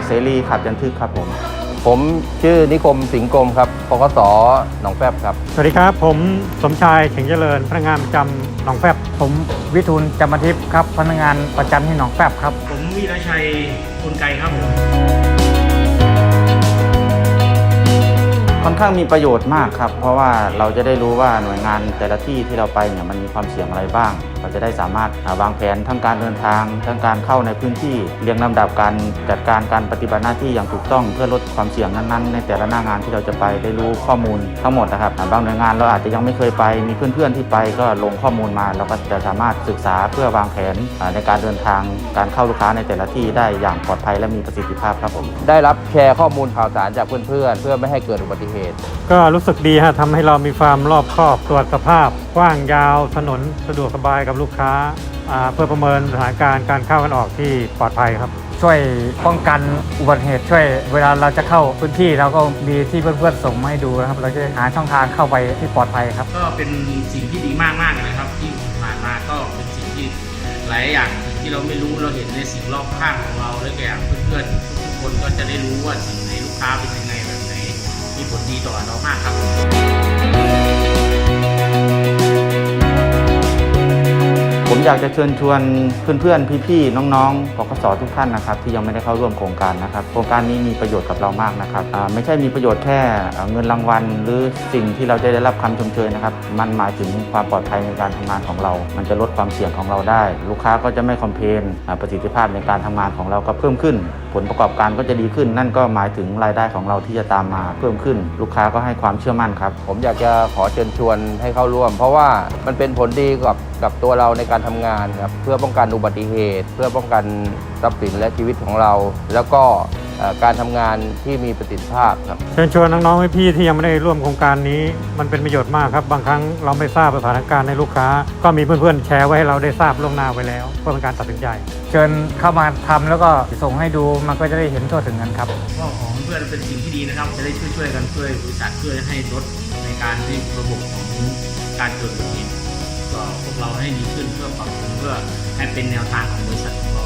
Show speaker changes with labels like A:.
A: เสรีขับยันทึกครับ
B: ผมชื่อนิคมสิงห์กรมครับปกส.หนองแฟบครับ
C: สวัสดีครับผมสมชายเข่งเจริญพนักงานประจำหนองแฟบ
D: ผมวิทูลจำปาทิพย์ครับพนักงานประจำที่หนองแฟบครับ
E: ผมวีรชัยกลไกครับผม
A: ค่อนข้างมีประโยชน์มากครับเพราะว่าเราจะได้รู้ว่าหน่วยงานแต่ละที่ที่เราไปเนี่ยมันมีความเสี่ยงอะไรบ้างเราจะได้สามารถวางแผนทั้งการเดินทางทั้งการเข้าในพื้นที่เรียงลำดับการจัดการการปฏิบัติหน้าที่อย่างถูกต้องเพื่อลดความเสี่ยงนั้นๆในแต่ละหน้างานที่เราจะไปได้รู้ข้อมูลทั้งหมดนะครับบางหน่วยงานเราอาจจะยังไม่เคยไปมีเพื่อนๆที่ไปก็ลงข้อมูลมาเราก็จะสามารถศึกษาเพื่อวางแผนในการเดินทางการเข้าลูกค้าในแต่ละที่ได้อย่างปลอดภัยและมีประสิทธิภาพครับผม
B: ได้รับแชร์ข้อมูลข่าวสารจากเพื่อนๆเพื่อไม่ให้เกิดอุบัติเหตุ
C: ก็รู้สึกดีฮะทำให้เรามีความรอบคอบตรวจสภาพกว้างยาวถนนสะดวกสบายกับลูกค้าเพื่อประเมินสถานการณ์การเข้ากันออกที่ปลอดภัยครับ
D: ช่วยป้องกันอุบัติเหตุช่วยเวลาเราจะเข้าพื้นที่เราก็มีที่เพื่อนๆส่งมาให้ดูนะครับเราจะหาช่องทางเข้าไปที่ปลอดภัยครับ
E: ก็เป็นสิ่งที่ดีมากๆนะครับที่ผ่านมาก็เป็นสิ่งที่หลายอย่างที่เราไม่รู้เราเห็นในสิ่งรอบข้างของเราและแก่เพื่อนๆทุกคนก็จะได้รู้ว่าสิ่งในลูกค้าเป็นยังไงแบบไหนมีผลดีต่อเรามากครับ
A: ผมอยากจะเชิญชวนเพื่อนๆพี่ๆน้องๆปกส.ทุกท่านนะครับที่ยังไม่ได้เข้าร่วมโครงการนะครับโครงการนี้มีประโยชน์กับเรามากนะครับไม่ใช่มีประโยชน์แค่เงินรางวัลหรือสิ่งที่เราจะได้รับคำชมเชยนะครับมันหมายถึงความปลอดภัยในการทำงานของเรามันจะลดความเสี่ยงของเราได้ลูกค้าก็จะไม่คอมเพลนประสิทธิภาพในการทำงานของเราก็เพิ่มขึ้นผลประกอบการก็จะดีขึ้นนั่นก็หมายถึงรายได้ของเราที่จะตามมาเพิ่มขึ้นลูกค้าก็ให้ความเชื่อมั่นครับ
B: ผมอยากจะขอเชิญชวนให้เข้าร่วมเพราะว่ามันเป็นผลดีกับตัวเราในการทำงานครับเพื่อป้องกันอุบัติเหตุเพื่อป้องกันทรัพย์สินและชีวิตของเราแล้วก็การทำงานที่มีประสิทธิภาพครับ
C: เชิญชวนน้องๆพี่ๆที่ยังไม่ได้ร่วมโครงการนี้มันเป็นประโยชน์มากครับบางครั้งเราไม่ทราบสถานการณ์ในลูกค้าก็มีเพื่อนๆแชร์ไว้ให้เราได้ทราบล่วงหน้าไว้แล้วเพื่อเป็นการตัดสินใจ
D: เชิญเข้ามาทำแล้วก็ส่งให้ดูมันก็จะได้เห็นทั่วถึงกันครับ
E: ก็ของเพื่อนเป็นสิ่งที่ดีนะครับจะได้ช่วยกันช่วยบริษัทช่วยให้ลดในการที่ระบบของการเกิดอุบัติเหตุก็พวกเราให้ดีขึ้นเพื่อปรับปรุงเพื่อให้เป็นแนวทางของบริษัทของเรา